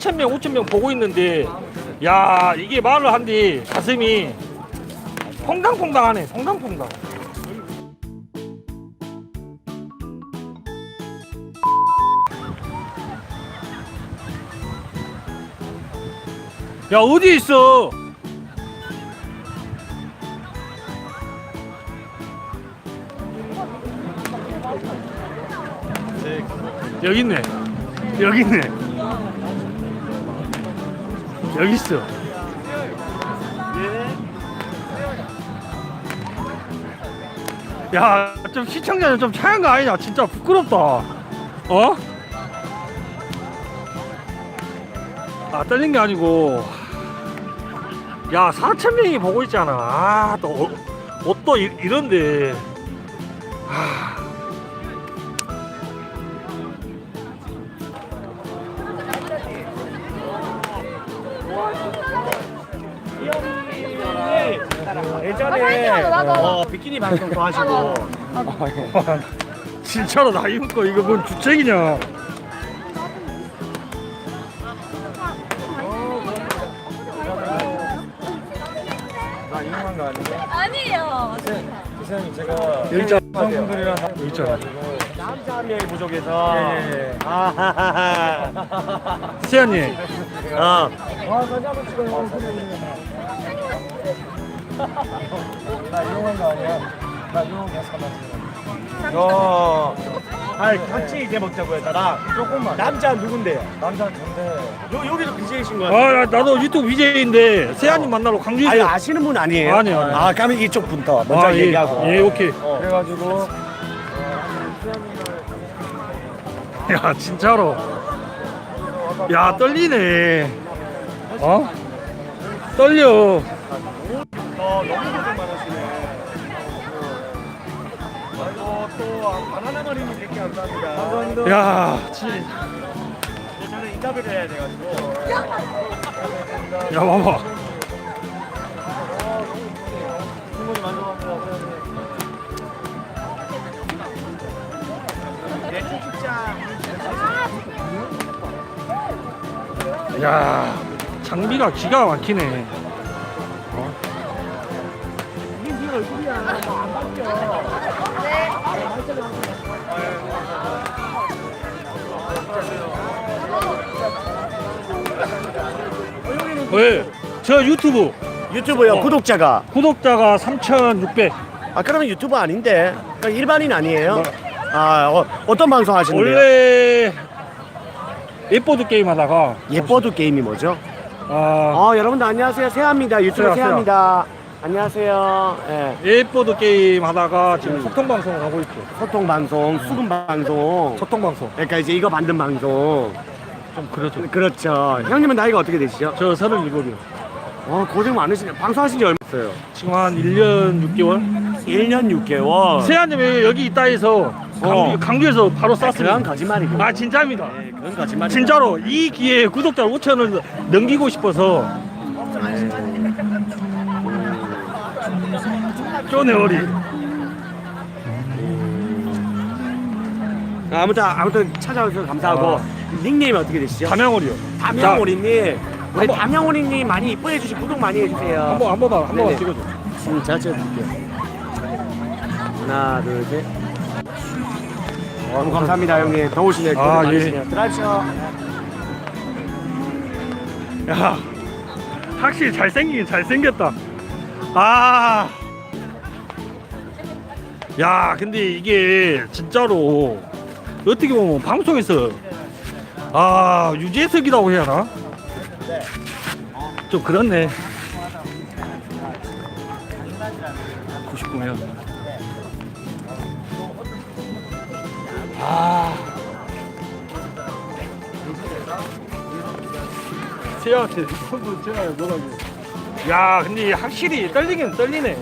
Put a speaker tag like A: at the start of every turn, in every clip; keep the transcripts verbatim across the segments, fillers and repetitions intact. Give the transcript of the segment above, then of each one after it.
A: 사천 명, 오천 명 보고 있는데, 야, 이게 말을 한뒤 가슴이 퐁당퐁당하네, 퐁당퐁당. 야, 어디 있어? 여기 있네. 여기 있네. 여기 있어. 야, 좀 시청자는 좀 차이한 거 아니냐? 진짜 부끄럽다. 어? 아, 떨린 게 아니고. 야, 사천 명이 보고 있잖아. 아, 또, 어, 옷도 이, 이런데. 아.
B: 예전에 어, 비키니 방송도 하시고
A: 진짜로 나 입고 이거 뭔 주책이냐?
B: 나 이용한 거 아니에요?
C: 아니에요.
B: 기사님 제가
A: 여기 있잖아.
B: 여성분들이랑
A: 여기 있잖아.
B: 남자 한 명이 부족해서
A: 예, 예.
B: 아하하하
A: 세연님.
B: 어. 아 사진 한번 찍어요. 나 이용한 거 아니야? 나 이용한 거 삼았어. 어. 아 같이 이제 먹자고요. 나랑 조금만. 남자 누군데요? 남자 전데. 요 여기도 비제이신 거
A: 아,
B: 같아요.
A: 나, 나도 유튜브 비제이인데 세연님 만나러 광주에서.
B: 아니 아시는 분 아니에요?
A: 아니요, 아니요.
B: 아 그러면 이쪽 분부터 먼저
A: 아, 예.
B: 얘기하고.
A: 예, 오케이.
B: 어. 그래가지고
A: 야, 진짜로. 야, 떨리네. 어? 떨려.
B: 어, 너무 고생 많으시네. 아이고 또 바나나 머리님 백 개 감사합니다. 감사합니다.
A: 야, 진.
B: 저는 인터뷰를 해야 돼가지고.
A: 야, 봐봐.
B: 충분히 만족합니다. 네, 축축장.
A: 야, 장비가 기가 막히네. 어? 왜? 저 유튜브
B: 유튜브요.
A: 어.
B: 구독자가.
A: 구독자가 삼천육백.
B: 아 그러면 유튜버 아닌데. 그러니까 일반인 아니에요?
A: 뭐.
B: 아 어, 어떤 방송 하시는데요?
A: 원래 예보드 게임 하다가
B: 예뻐도 게임이 뭐죠?
A: 아,
B: 어 여러분들 안녕하세요. 세아입니다. 유튜브
A: 세아,
B: 세아입니다. 안녕하세요. 예.
A: 예보드 게임 하다가 지금
B: 음.
A: 소통 방송을 하고 있죠.
B: 소통 방송, 수금 방송.
A: 소통 방송.
B: 그러니까 이제 이거 만든 방송.
A: 좀 그렇죠.
B: 그렇죠. 형님은 나이가 어떻게 되시죠?
A: 저 서른일곱이요.
B: 어 고생 많으시네요. 방송하신 지 얼마 됐어요?
A: 지금 한 일 년 육 개월.
B: 일 년 육 개월.
A: 세아님이 여기 있다 해서 강주,
B: 어.
A: 강주에서 바로
B: 그건
A: 쐈습니다.
B: 거짓말이고.
A: 아, 진짜입니다.
B: 네, 그건 거짓말.
A: 진짜로 이 기회에 구독자 오천을 넘기고 싶어서 쪼네 어리.
B: 아무튼 아무튼 찾아오셔서 감사하고
A: 어.
B: 닉네임이 어떻게 되시죠?
A: 담양어리요.
B: 담양오리님. 우리
A: 한번-
B: 담양오리님 많이 이뻐해 주시고 구독 많이 해주세요.
A: 한번 한 번만 한 번만
B: 네네.
A: 찍어줘.
B: 음, 제가 찍어드릴게요. 하나 둘 셋. 너무 감사합니다 형님. 더우시네. 고생
A: 아,
B: 많으시네요.
A: 예.
B: 들어가시죠.
A: 야, 확실히 잘생기긴 잘생겼다. 아, 야, 근데 이게 진짜로 어떻게 보면 방송에서 아 유재석이라고 해야 하나? 좀 그렇네. 구십구 면. 아. 세아한테 손도 제가 연락해. 야, 근데 확실히 떨리긴 떨리네.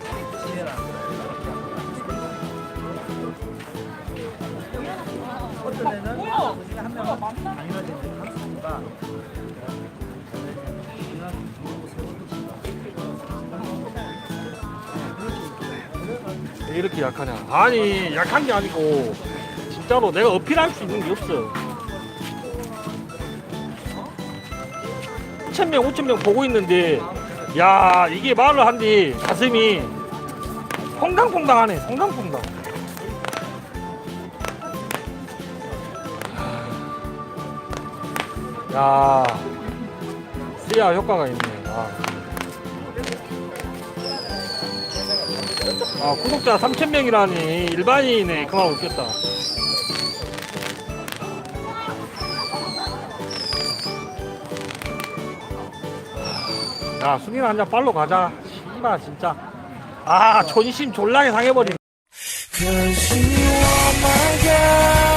A: 왜 이렇게 약하냐? 아니, 약한 게 아니고 진짜로 내가 어필할 수 있는 게 없어. 사천 명, 오천 명 보고 있는데, 야, 이게 말을 한뒤 가슴이 퐁당퐁당하네, 퐁당퐁당. 야, 씨야 효과가 있네. 아, 아 구독자 삼천 명이라니 일반인이네. 그만 웃겠다. 야, 순이나 한잔 빨로 가자. 씨발 진짜. 아, 존심 졸라게 상해버리네.
C: Cause you are my girl.